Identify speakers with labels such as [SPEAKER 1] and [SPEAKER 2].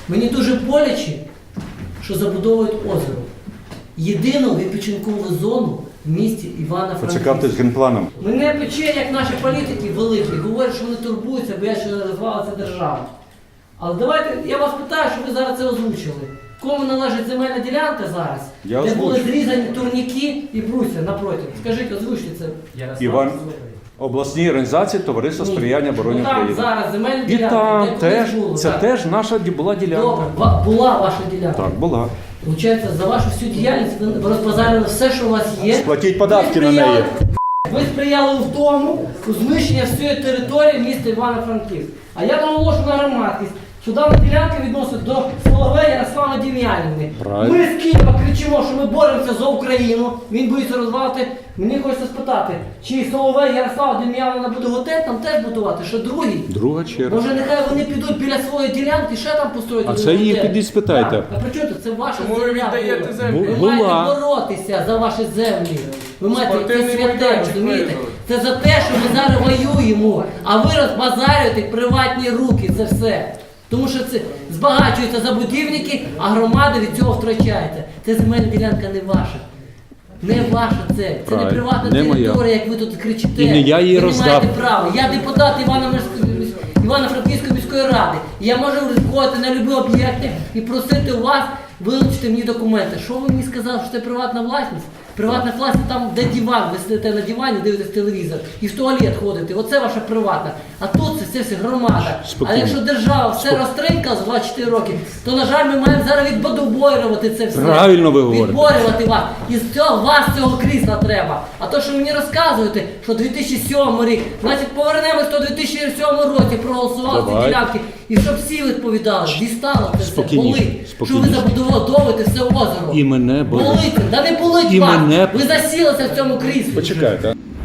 [SPEAKER 1] Мені дуже боляче, що забудовують озеро. Єдину відпочинкову зону в місті Івано-Франківська.
[SPEAKER 2] Поцікавтесь генпланом.
[SPEAKER 1] Мене пече, як наші політики великі, говорять, що вони турбуються, бо я ще не розвалиться держава. Але давайте, я вас питаю, що ви зараз це озвучили. Кому належить земельна ділянка зараз,
[SPEAKER 2] Я
[SPEAKER 1] де були
[SPEAKER 2] озвучу.
[SPEAKER 1] зрізані турніки і брусья напроти? Скажіть, озвучте це.
[SPEAKER 2] Іван, обласній організації Товариство сприяння обороні
[SPEAKER 1] Там
[SPEAKER 2] України.
[SPEAKER 1] зараз земельна
[SPEAKER 2] І
[SPEAKER 1] ділянка,
[SPEAKER 2] там
[SPEAKER 1] де
[SPEAKER 2] теж,
[SPEAKER 1] колись було,
[SPEAKER 2] це
[SPEAKER 1] так.
[SPEAKER 2] теж наша була ділянка.
[SPEAKER 1] Добре, була ваша ділянка.
[SPEAKER 2] Так, була.
[SPEAKER 1] Получається, за вашу всю діяльність ви розбазарили все, що у вас є.
[SPEAKER 2] Сплатіть податки
[SPEAKER 1] Ви
[SPEAKER 2] на неї.
[SPEAKER 1] Ви сприяли в тому, у знищення всієї території міста Івано-Франківськ. А я наголошу на громадськість, що дана ділянка відносить до Соловея Ярослава Дем'янівни.
[SPEAKER 2] Правильно.
[SPEAKER 1] Ми з Києва кричимо, що ми боремося за Україну. Він боїться розвалити. Мені хочеться спитати, чи Соловей Ярослава Дем'янівна буде готель там теж будувати, що другий?
[SPEAKER 2] Друга черга.
[SPEAKER 1] Може, нехай вони підуть біля своєї ділянки, ще там построять.
[SPEAKER 2] А
[SPEAKER 1] один
[SPEAKER 2] це її
[SPEAKER 1] готель.
[SPEAKER 2] підіть спитайте.
[SPEAKER 1] Так. А при чому тут? Це ваша
[SPEAKER 3] Чому ви
[SPEAKER 1] земля.
[SPEAKER 3] віддаєте
[SPEAKER 1] була.
[SPEAKER 3] землю?
[SPEAKER 1] Ви
[SPEAKER 2] Була.
[SPEAKER 1] маєте боротися за ваші землі. Ви маєте це
[SPEAKER 3] Спортивний
[SPEAKER 1] святе,
[SPEAKER 3] майданчик
[SPEAKER 1] розумієте?
[SPEAKER 3] визвали.
[SPEAKER 1] Це за те, що ми зараз воюємо, а ви розбазарюєте приватні руки, це все. Тому що це збагачуються забудівники, а громада від цього втрачається. Це земельна ділянка не ваша. Не ваша це. Це не
[SPEAKER 2] Правильно.
[SPEAKER 1] приватна
[SPEAKER 2] Не моя.
[SPEAKER 1] територія, як ви тут кричите.
[SPEAKER 2] І не я її
[SPEAKER 1] Ви
[SPEAKER 2] роздав.
[SPEAKER 1] не маєте права. Я депутат Івано-Франківської міської ради. І я можу ризикувати на любі об'єкти і просити у вас вилучити мені документи. Що ви мені сказали, що це приватна власність? Приватна власність там, де диван, ви сидите на дивані, дивитесь телевізор і в туалет ходите. Оце ваша приватна. А тут це все громада.
[SPEAKER 2] Спокійно.
[SPEAKER 1] А якщо держава все розтринкала за 24 роки, то, на жаль, ми маємо зараз відбудовувати це все.
[SPEAKER 2] Правильно ви говорите.
[SPEAKER 1] Відборювати вас. І з цього, вас цього крісла треба. А то, що ви мені розказуєте, що 2007 рік, значить повернемось до 2007 році, проголосували ці
[SPEAKER 2] Давай.
[SPEAKER 1] ділянки. І щоб всі відповідали, дістало це все,
[SPEAKER 2] Спокійніше,
[SPEAKER 1] болить. Що ви
[SPEAKER 2] спокійніше.
[SPEAKER 1] забудовуєте все озеро.
[SPEAKER 2] І мене болить.
[SPEAKER 1] Болить, да не болить
[SPEAKER 2] І
[SPEAKER 1] вас.
[SPEAKER 2] мене-
[SPEAKER 1] Ви засілися в цьому кріслі.
[SPEAKER 2] Почекайте.